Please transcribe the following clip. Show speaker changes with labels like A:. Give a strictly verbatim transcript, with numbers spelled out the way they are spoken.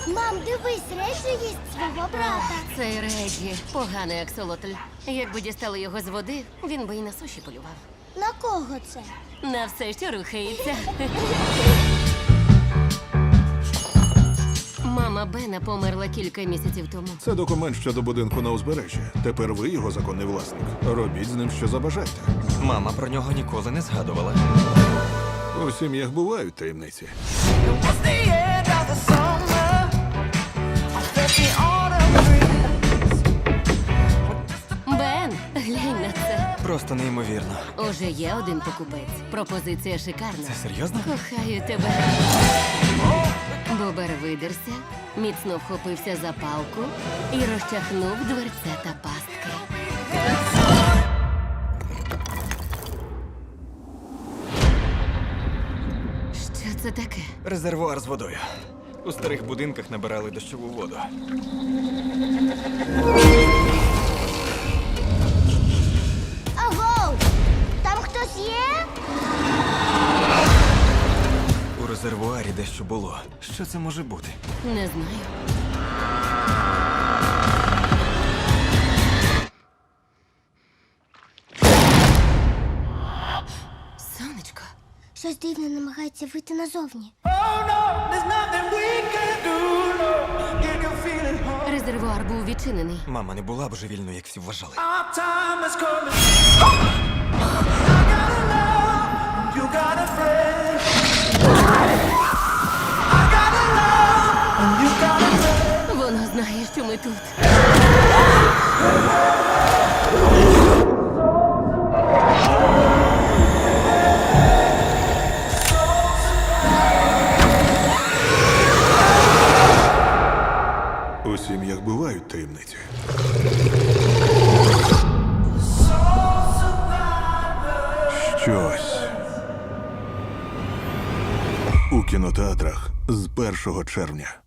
A: Мам, дивись, Реджі їсть свого брата.
B: Цей Реджі поганий аксолотль. Якби дістали його з води, він би і на суші полював.
A: На кого це?
B: На все, що рухається. Мама Бена померла кілька місяців тому.
C: Це документ щодо будинку на узбережжі. Тепер ви його законний власник. Робіть з ним, що забажаєте.
D: Мама про нього ніколи не згадувала.
C: У сім'ях бувають таємниці.
B: Бен, глянь на це.
D: Просто неймовірно.
B: Уже є один покупець. Пропозиція шикарна.
D: Це серйозно?
B: Кохаю тебе. Бобер видерся, міцно вхопився за палку і розчахнув дверцята пастки. Що це таке?
D: Резервуар з водою. У старих будинках набирали дощову воду.
A: Агоу! Там хтось є?
D: У резервуарі дещо було. Що це може бути?
B: Не знаю. Сонечко.
A: Щось дивне намагається вийти назовні.
B: Резервуар був відчинений.
D: Мама не була божевільною, як всі вважали.
B: Воно знає, що ми тут.
C: У сім'ях бувають таємниці. Щось у кінотеатрах з першого червня.